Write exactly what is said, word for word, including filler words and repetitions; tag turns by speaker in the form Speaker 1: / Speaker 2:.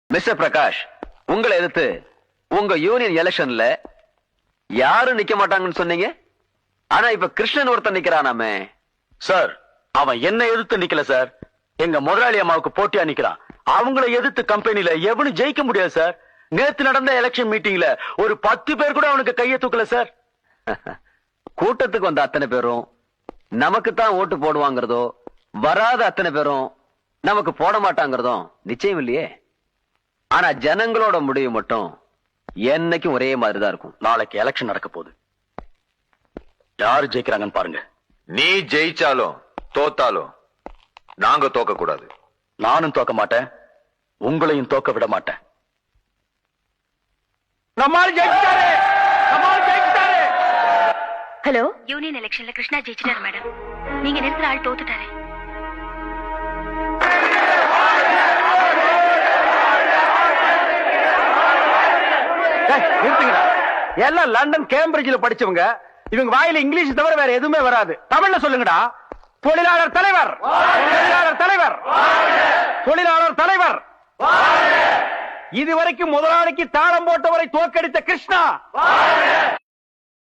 Speaker 1: Mister Prakash, உங்களை எதிர்த்து உங்க யூனியன் எலெக்ஷன்ல யாரும் நிக்க மாட்டாங்கன்னு சொன்னீங்க. ஆனா இப்ப கிருஷ்ணன் ஒருத்தன் நிக்கிறானாமே.
Speaker 2: சார், அவன் என்ன எதிர்த்து நிக்கல சார், எங்க முதலாளி அம்மாவுக்கு போட்டியா நிக்கிறான். அவங்கள எதிர்த்து கம்பெனில எவனும் ஜெயிக்க முடியாது சார். நேத்து நடந்த எலெக்ஷன் மீட்டிங்ல ஒரு பத்து பேர் கூட அவனுக்கு கையை தூக்கல சார்.
Speaker 1: கூட்டத்துக்கு வந்த அத்தனை பேரும் நமக்கு தான் ஓட்டு போடுவாங்கிறதோ, வராத அத்தனை பேரும் நமக்கு போட மாட்டாங்கிறதும் நிச்சயம் இல்லையே. ஆனா ஜனங்களோட முடிவு மட்டும் என்னைக்கும் ஒரே மாதிரிதான் இருக்கும்.
Speaker 2: நாளைக்கு எலெக்ஷன் நடக்க போகுது. யாரு ஜெயிக்கிறாங்கன்னு பாருங்க.
Speaker 3: நீ ஜெயிச்சாலும் தோத்தாலும் நாங்க தோக்க கூடாது.
Speaker 2: நானும் தோக்க மாட்டேன், உங்களையும் தோக்க விட மாட்டேன்.
Speaker 4: நம்மால் ஜெயிச்சிட்டாரு, நம்மால் ஜெயிச்சிட்டாரு.
Speaker 5: ஹலோ,
Speaker 6: யூனியன் எலெக்ஷன்ல கிருஷ்ணா ஜெயிச்சிட்டாரு மேடம். நீங்க நிறுத்துற ஆள் தோத்துட்டாரு.
Speaker 4: நிறுத்துங்கடா. எல்லாம் லண்டன் கேம்பிரிட்ஜ்ல படிச்சவங்க. இவங்க வாயில இங்கிலீஷ் தவிர வேற எதுவுமே வராது. தமிழ்ல சொல்லுங்கடா. தொழிலாளர் தலைவர், தொழிலாளர் தலைவர், தொழிலாளர் தலைவர். இதுவரைக்கும் முதலாளிக்கு தாளம் போட்டவரை தோற்கடித்த கிருஷ்ணா.